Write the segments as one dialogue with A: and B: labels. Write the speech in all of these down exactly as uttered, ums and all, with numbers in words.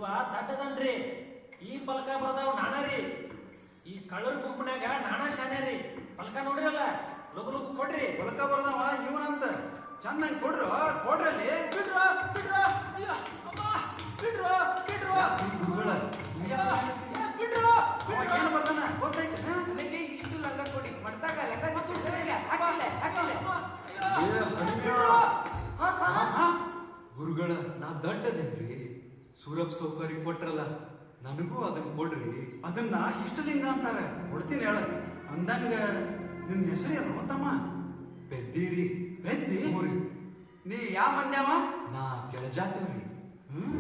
A: ಇವ ದಡ್ಡದನ್ರಿ. ಈ ಪಲಕ ಬರ್ದಾವ್ ನಾನ ರೀ. ಈ ಕಳ್ಳರ ಗುಂಪನ್ಯಾಗ ನಾನಾ ಶಾನೆ ರೀ. ಪಲಕ ನೋಡ್ರಲ್ಲ, ಲಗು ಲಗು ಕೊಡ್ರಿ.
B: ಪಲಕ ಬರ್ದವ ಇವನಂತ ಚೆನ್ನಾಗಿ ಕೊಡ್ರು ಕೊಡ್ರಲ್ಲಿ.
A: ಬಿಡ್ರ ಬಿಡ್ರ ಅಯ್ಯ ಅಮ್ಮ ಬಿಡ್ರ ಬಿಡ್ರ
B: ಗುರುಗಳ
A: ಬಿಡ್ರ
B: ಏನು ಬರ್ತಾನ ಗೊತ್ತೈತೆ.
C: ನನಗೆ ಇಷ್ಟು ಲಂಗ ಕೊಡಿ ಮಾಡ್ತಾಗ ಲಂಗ ಹಾಕಿಲ್ಲ ಹಾಕಿಲ್ಲ
D: ಗುರುಗಳ ನಾ ದಡ್ಡದೇನ್ರಿ. ಸೂರಪ್ ಸೌಕರ್ಯ ಕೊಟ್ರಲ್ಲ, ನನಗೂ ಅದನ್ನ ಕೊಡ್ರಿ.
B: ಅದನ್ನ ಇಷ್ಟಲಿಂಗ ಅಂತಾರೆ, ಕೊಡ್ತೀನಿ ಹೇಳ. ಅಂದಂಗ ನಿನ್ನ ಹೆಸರು ಏನು ಗೊತ್ತಮ್ಮ?
D: ಪೆದ್ದೀರಿ.
B: ಬೆದ್ದಿ
D: ಮೂರಿ.
B: ನೀ ಯಾವ ಮಂದ್ಯಾವ?
D: ನಾ ಕೆಳಜಾತೇವ್ರಿ.
B: ಹ್ಮ್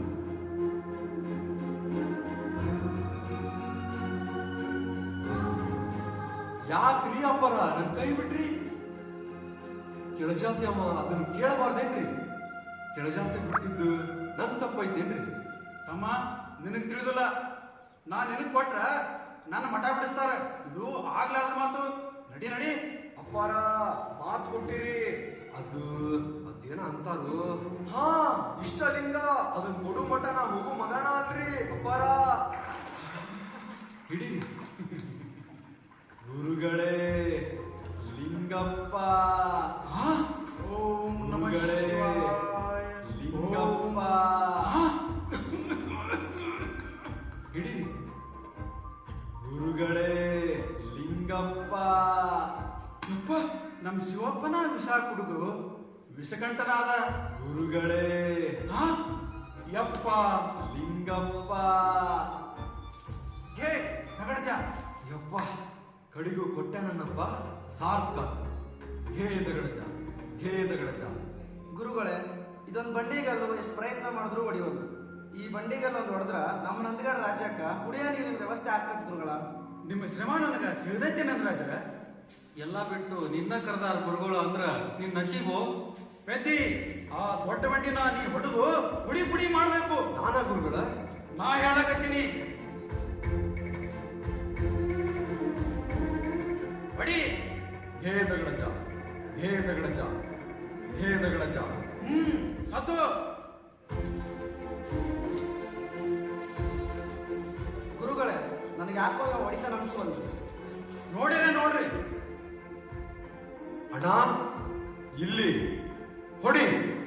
D: ಯಾಕ್ರಿ ಅಪ್ಪರ ನನ್ ಕೈ ಬಿಟ್ರಿ? ಕೆಳಜಾತಿ ಅಮ್ಮ ಅದನ್ನ ಕೇಳಬಾರ್ದೇನ್ರಿ? ಕೆಳಜಾತಿ ಬಿಟ್ಟಿದ್ದು ನನ್ ತಪ್ಪೈತೇನ್ರಿ?
B: ತಮ್ಮ ನಿನಗ್ ತಿಳಿದಿಲ್ಲ. ನಾ ನಿನಗ್ ಕೊಟ್ರ ನನ್ನ ಮಠ ಬಿಡಿಸ್ತಾರ. ಇದು ಆಗ್ಲಾರ್ದ ಮಾತು. ನಡಿ ನಡಿ.
D: ಅಪ್ಪಾರ ಮಾತು ಕೊಟ್ಟಿರಿ. ಅದು ಅದೇನ ಅಂತಾರು. ಹಾ ಇಷ್ಟಲಿಂಗ ಅದನ್ನ ಕೊಡು ಮಠ ನಾ ಹೋಗು ಮಗನ ಅಲ್ರಿ ಅಪ್ಪಾರ. ಹಿಡೀರಿ. ಗುರುಗಳೇ ಲಿಂಗಪ್ಪ.
B: ಓಂ ನಮಃ
D: ಗುರುಗಳೇ
B: ಶಿವಾಯ.
D: ಲಿಂಗಪ್ಪ. ಹಿಡೀರಿ. ಗುರುಗಳೇ ಲಿಂಗಪ್ಪ.
B: ಯಪ್ಪ, ನಮ್ ಶಿವಪ್ಪನ ವಿಷ ಕುಡಿದು ವಿಷಕಂಠನಾದ.
D: ಗುರುಗಳೇ
B: ಹಾ ಯಪ್ಪ
D: ಲಿಂಗಪ್ಪ.
B: ಘೇ ನಗಡಜ.
D: ಯಪ್ಪ ಕಡಿಗೂ ಕೊಟ್ಟೆ ನನ್ನಪ್ಪ ಸಾರ್ಥ. ಘೇ ದಗಡಜ ಘೇ ದಗಡಜ.
C: ಗುರುಗಳೇ ಇದೊಂದು ಬಂಡಿಗಲ್ಲು ಎಷ್ಟು ಪ್ರಯತ್ನ ಮಾಡಿದ್ರು ಹೊಡಿಯೋದು. ಈ ಬಂಡಿಗಲ್ಲು ಒಂದು ಹೊಡೆದ್ರ ನಮ್ಮ ನಂದಗಡ ರಾಜ್ಯಕ್ಕ ಕುಡಿಯೋ ನೀರಿನ ವ್ಯವಸ್ಥೆ ಆಗ್ತದೆ ಗುರುಗಳ.
B: ನಿಮ್ಮ ಶ್ರಮ ನನಗ ತಿಳಿದೈತೆ ನಂದರಾಜ.
D: ಎಲ್ಲ ಬಿಟ್ಟು ನಿನ್ನ ಕರೆದಾರ ಗುರುಗಳು ಅಂದ್ರ ನಿನ್ ನಶೀಬು.
B: ಪೆದ್ದಿ, ಆ ದೊಡ್ಡ ಬಂಡಿನ ನೀ ಹೊಡೆದು ಪುಡಿ ಪುಡಿ ಮಾಡ್ಬೇಕು.
D: ನಾನಾ ಗುರುಗಳ?
B: ನಾ ಹೇಳಕತ್ತೀನಿ. ಹೊಡಿ.
D: ಹೇ ದಗಡಜ ಹೇ ದಗಡಜ ಹೇ ದಗಡಜ.
B: ಹ್ಮ್ ಸತ್ತು.
C: ಗುರುಗಳೇ ನನಗೆ ಯಾಕೋ ಹೊಡಿತಾನ ಅನ್ಸುವಲ್ಲ.
B: ನೋಡಿರ ನೋಡ್ರಿ.
D: ಅಣ್ಣ ಇಲ್ಲಿ ಹೊಡಿ.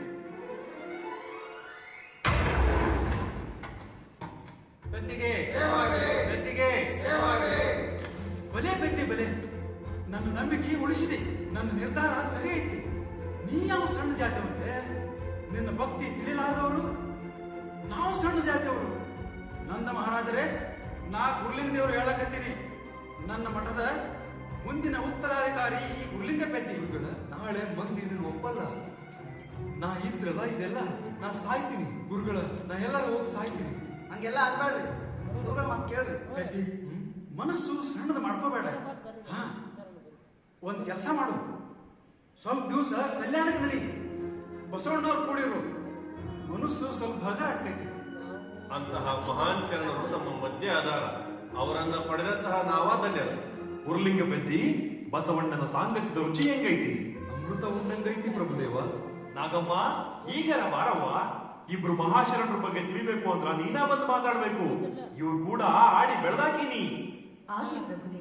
A: ಬೆದ್ದಿಗೆ ಬೆದ್ದಿಗೆ
B: ಬಲೆ ಬೆದ್ದಿ ಬಲೆ. ನನ್ನ ನಂಬಿಕೆ ಉಳಿಸಿದೆ. ನನ್ನ ನಿರ್ಧಾರ ಸರಿ ಐತಿ. ನೀ ಯಾವ ಸಣ್ಣ ಜಾತಿಯವಂತೆ? ನಿನ್ನ ಭಕ್ತಿ ತಿಳಿಲಾರದವರು. ನಾವು ಸಣ್ಣ ಜಾತಿಯವರು. ನಂದ ಮಹಾರಾಜರೇ, ನಾ ಗುರುಲಿಂಗ ದೇವರು ಹೇಳಕತ್ತೀನಿ. ನನ್ನ ಮಠದ ಮುಂದಿನ ಉತ್ತರಾಧಿಕಾರಿ ಈ ಗುರುಲಿಂಗ ಪೆದ್ದಿ.
D: ಗುರುಗಳ ನಾಳೆ ಮಂದಿ ಇದನ್ನ ಒಪ್ಪಲ್ಲ. ನಾ ಇದ್ರಲ್ಲ ಇದೆಲ್ಲ ನಾ ಸಾಯ್ತೀನಿ ಗುರುಗಳ. ನಾ ಎಲ್ಲರೂ ಹೋಗಿ ಸಾಯ್ತೀನಿ.
C: ಹಂಗೆಲ್ಲ ಅನ್ಬೇಡ್ರಿ ಗುರುಗಳ ಮಾತು ಕೇಳ್ರಿ.
B: ಪೆದ್ದಿ, ಮನಸ್ಸು ಸಣ್ಣದ ಮಾಡ್ಕೋಬೇಡ. ಹಾ ಒಂದ್ ಕೆಲಸ ಮಾಡು. ಸ್ವಲ್ಪ ದಿವಸ ಕಲ್ಯಾಣಕ್ಕೆ ನಡಿ. ಬಸವಣ್ಣವ್ರು ಕೂಡಿರು. ಮನಸ್ಸು ಸ್ವಲ್ಪ ಹಗರ ಆಗ್ತೈತಿ.
E: ಅಂತಹ ಮಹಾನ್ ಶರಣರು ನಮ್ಮ ಮಧ್ಯೆ ಆಧಾರ. ಅವರನ್ನ ಪಡೆದಂತಹ ನಾವಾದಲ್ಯರು.
F: ಉರ್ಲಿಂಗ ಬೆದ್ದಿ, ಬಸವಣ್ಣನ ಸಾಂಗತ್ಯದ ರುಚಿ ಹೆಂಗೈತಿ?
D: ಅಮೃತ ಉಂಡಂಗೈತಿ ಪ್ರಭುದೇವ.
F: ನಾಗಮ್ಮ ಈಗರ ಬಾರವ್ವ. ಇಬ್ರು ಮಹಾಶರಣರ ಬಗ್ಗೆ ತಿಳಿಬೇಕು ಅಂದ್ರ ನೀನಾ ಬಂದು ಮಾತಾಡ್ಬೇಕು. ಇವ್ರು ಕೂಡ ಆಡಿ ಬೆಳೆದಾಕಿನಿ.
G: ಆಗಲಿ ಪ್ರಭುದೇವ.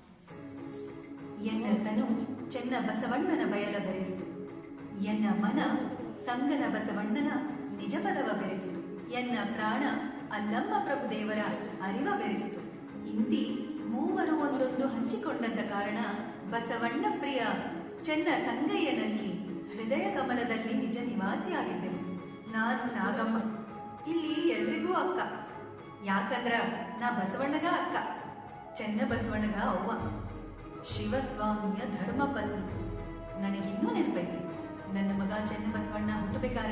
G: ಎನ್ನ ತನು ಚೆನ್ನ ಬಸವಣ್ಣನ ಬಯಲ ಬೆರೆಸಿತು. ಎನ್ನ ಮನ ಸಂಗನ ಬಸವಣ್ಣನ ನಿಜ ಪದವ ಬೆರೆಸಿತು. ಎನ್ನ ಪ್ರಾಣ ಅಲ್ಲಮ್ಮ ಪ್ರಭುದೇವರ ಅರಿವ ಬೆರೆಸಿತು. ಇಂತಿ ಮೂವರು ಒಂದೊಂದು ಹಂಚಿಕೊಂಡಂತ ಕಾರಣ ಬಸವಣ್ಣ ಪ್ರಿಯ ಚೆನ್ನ ಸಂಗಯ್ಯನಲ್ಲಿ ಹೃದಯ ಕಮಲದಲ್ಲಿ ನಿಜ ನಿವಾಸಿಯಾಗಿದ್ದೆನು. ನಾನು ನಾಗಮ್ಮ, ಇಲ್ಲಿ ಎಲ್ರಿಗೂ ಅಕ್ಕ. ಯಾಕಂದ್ರ ನಾ ಬಸವಣ್ಣಗ ಅಕ್ಕ, ಚೆನ್ನ ಬಸವಣ್ಣಗ ಅವ್ವ, ಶಿವಸ್ವಾಮಿಯ ಧರ್ಮಪತ್ನಿ. ನನಗಿನ್ನೂ ನೆನಪೈತಿ, ನನ್ನ ಮಗ ಚೆನ್ನ ಬಸವಣ್ಣ ಹುಟ್ಟಬೇಕಾರ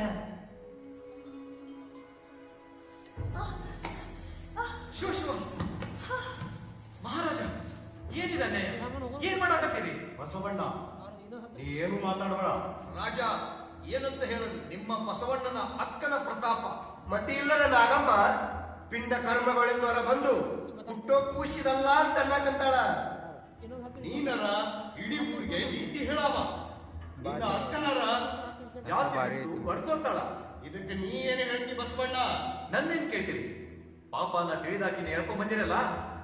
A: ಶಿವ ಶಿವ ಮಹಾರಾಜ ಏನಿದಾನೆ? ಏನ್ ಮಾಡಾಕತ್ತೀರಿ?
E: ಬಸವಣ್ಣ, ನೀ ಏನು ಮಾತಾಡಬೇಡ.
H: ರಾಜ ಏನಂತ ಹೇಳದು? ನಿಮ್ಮ ಬಸವಣ್ಣನ ಅಕ್ಕನ ಪ್ರತಾಪ.
I: ಮತಿ ಇಲ್ಲದ ನಾಗಮ್ಮ ಪಿಂಡ ಕರ್ಮಗಳಿಂದ ಹೊರ ಬಂದು ಹುಟ್ಟೋ ಕೂಸಿದಲ್ಲ ಅಂತ ಅನ್ನಕಂತಾಳ.
H: ನೀನರ ಇಡೀ ಊರಿಗೆ ನೀತಿ ಹೇಳಾವ. ನಿನ್ನ ಅಕ್ಕನರ ಜಾತಿ ಬಡ್ಕೋತಾಳ. ಇದಕ್ಕೆ ನೀ ಏನು ಹೇಳ್ತಿ ಬಸವಣ್ಣ?
A: ನನ್ನೇನ್ ಕೇಳ್ತೀರಿ? ಪಾಪ ನಾ ತಿಳಿದಾಕಿನ ಹೇಳ್ಕೊಂಡ್ ಬಂದಿರಲ್ಲ